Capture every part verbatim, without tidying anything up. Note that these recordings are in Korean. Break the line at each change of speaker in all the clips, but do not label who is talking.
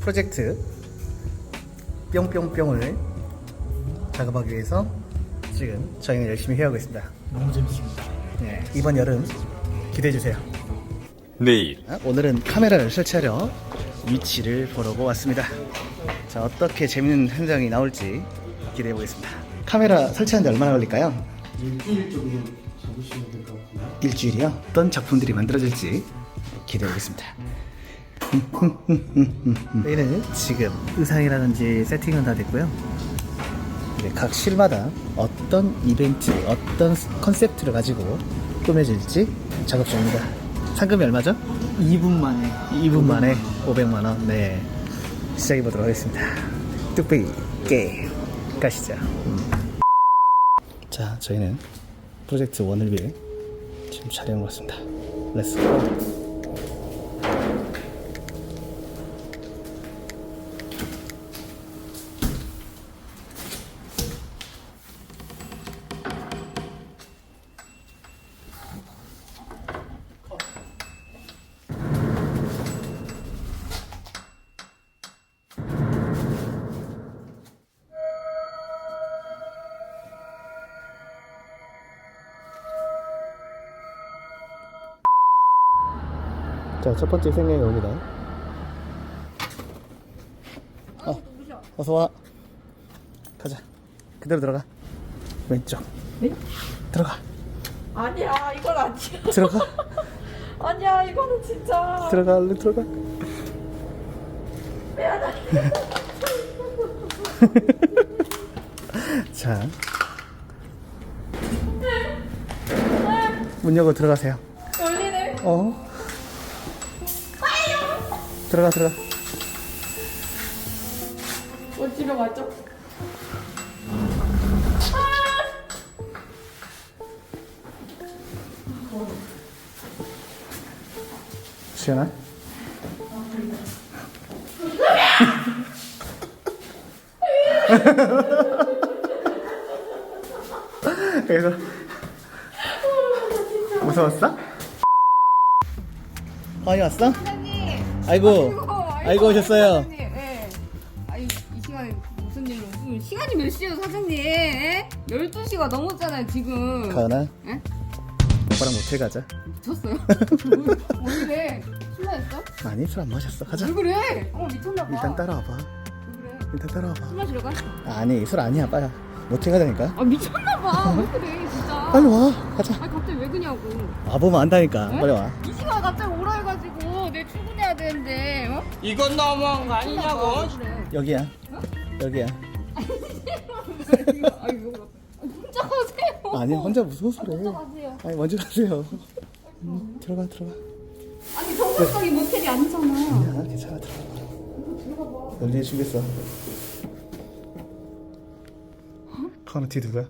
프로젝트 뿅뿅뿅을 작업하기 위해서 지금 저희는 열심히 해오고 있습니다.
너무 재밌습니다.
네, 이번 여름 기대해주세요.
내일
아, 오늘은 카메라를 설치하려 위치를 보러 왔습니다. 자, 어떻게 재밌는 현장이 나올지 기대해보겠습니다. 카메라 설치하는데 얼마나 걸릴까요?
일주일 정도 잡으시면 될 것 같아요.
일주일이요? 어떤 작품들이 만들어질지 기대해보겠습니다. 저희는 지금 의상이라든지 세팅은 다 됐고요. 이제 각 실마다 어떤 이벤트, 어떤 컨셉트를 가지고 꾸며질지 작업 중입니다. 상금이 얼마죠?
이 분 만에
이 분 만에 오백만 원. 네, 시작해보도록 하겠습니다. 뚝배기 게임 가시죠. 음. 자, 저희는 프로젝트 원을 위해 지금 촬영을 왔습니다. 렛츠고. 자, 첫 번째 생명이 옵니다. 어, 어서 와. 가자. 그대로 들어가. 왼쪽.
네?
들어가.
아니야, 이건 아니야.
들어가.
아니야, 이거는 진짜.
들어가. 얼른 들어가.
미안해.
자, 문 열고 들어가세요.
열리네.
어? 들어가, 들어가.
뭐 집에 왔죠?
시연아? 그래서 무서웠어? 아니 왔어?
사장님.
아이고, 아이고 오셨어요.
사장님, 예. 아이, 이 시간에 무슨 일로? 지금 시간이 몇 시예요, 사장님? 예? 열두 시가 넘었잖아요, 지금.
가은아,
예?
오빠랑 모텔 가자.
미쳤어요? 왜 그래? 술 마셨어?
아니, 술 안 마셨어. 가자.
왜 그래? 어, 미쳤나봐.
일단 따라와봐.
왜 그래?
일단 따라와봐.
술 마시러 가?
아니, 술 아니야. 빨리 모텔 가자니까.
아, 미쳤나봐. 왜 그래, 진짜.
빨리 와. 가자.
아니, 갑자기 왜 그냐고.
와보면 안다니까.
네?
빨리 와.
이 시간 갑자기 오라 해가지고 내 출근해야 되는데 어?
이건 너무한 거 아니냐고.
그래.
여기야. 여기야.
이거, 아, 이거 혼자 가세요.
아니, 혼자 무슨 소리 해.
혼자 가세요.
아니, 먼저 가세요. 음, 들어가, 들어가.
아니 정상적인 모텔이 아니잖아.
야, 괜찮아. 들어가. 열리에 주겠어. 카우너 뒤 누구야?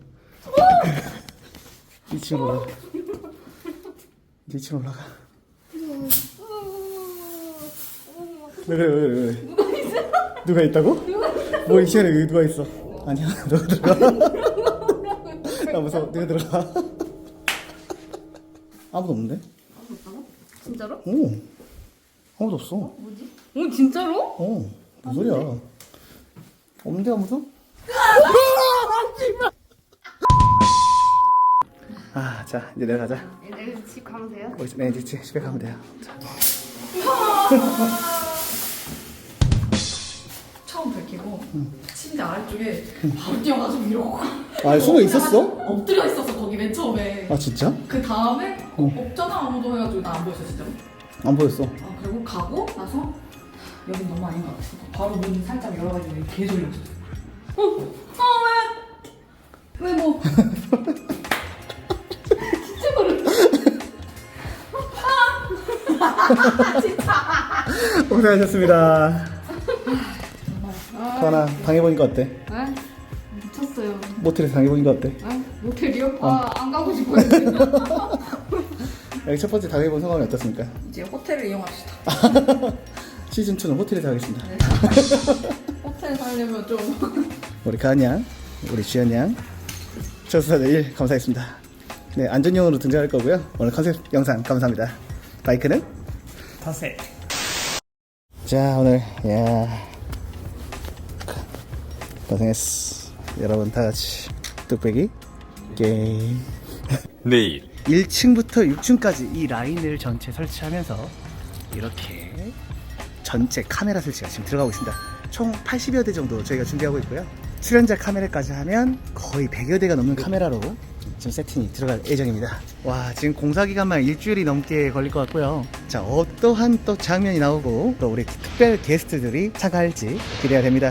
이 층 올라가. 이 층 올라가. 왜 그래, 왜 그래, 왜 그래. 누가 있어? 누가 있다고? 뭐, 이 시간에 여기 누가 있어? 아니야, 너가 들어가. 나 무서워, 네가 들어가. 아무도 없는데?
진짜로?
오, 아무도 없어.
뭐지? 어 진짜로?
어, 무슨 소리야? 없는데 아무도? 아, 자, 이제 내려가자.
내일 집 가면 돼요?
우리 네, 이제 집에 가면 돼요. 자.
처음 밝히고 침대 아래쪽에 바로 뛰어가지고 이러고
아, 숨어 있었어?
엎드려 있었어 거기 맨 처음에.
아, 진짜?
그 다음에
어.
없잖아 아무도 해가지고 나 안 보였어 진짜로.
안 보였어.
아 그리고 가고 나서 여긴 너무 아닌 것 같아. 바로 문 살짝 열어가지고 계속 이러고 있었어. 어? 아 왜? 왜 뭐? 진짜 모르. 아 진짜.
고생하셨습니다. 가은아, 당해보니까 어때?
아 미쳤어요.
모텔에서 당해보니까 어때?
아 모텔이요? 아안 가고 싶어요.
여기 첫 번째 당해본 소감이 어떻습니까?
이제 호텔을 이용합시다.
시즌이는 호텔에서 하겠습니다.
네. 호텔 살려면 좀.
우리 가은 양, 우리 주연 양, 저수사 내일 감사했습니다. 네, 안전용으로 등장할 거고요. 오늘 컨셉 영상 감사합니다. 바이크는?
타세.
자, 오늘 야 고생했어. 여러분 다 같이 뚝배기 게임.
내일
일 층부터 육 층까지 이 라인을 전체 설치하면서 이렇게 전체 카메라 설치가 지금 들어가고 있습니다. 총 팔십여 대 정도 저희가 준비하고 있고요. 출연자 카메라까지 하면 거의 백여 대가 넘는 카메라로 지금 세팅이 들어갈 예정입니다. 와, 지금 공사 기간만 일주일이 넘게 걸릴 것 같고요. 자, 어떠한 또 장면이 나오고 또 우리 특별 게스트들이 참가할지 기대가 됩니다.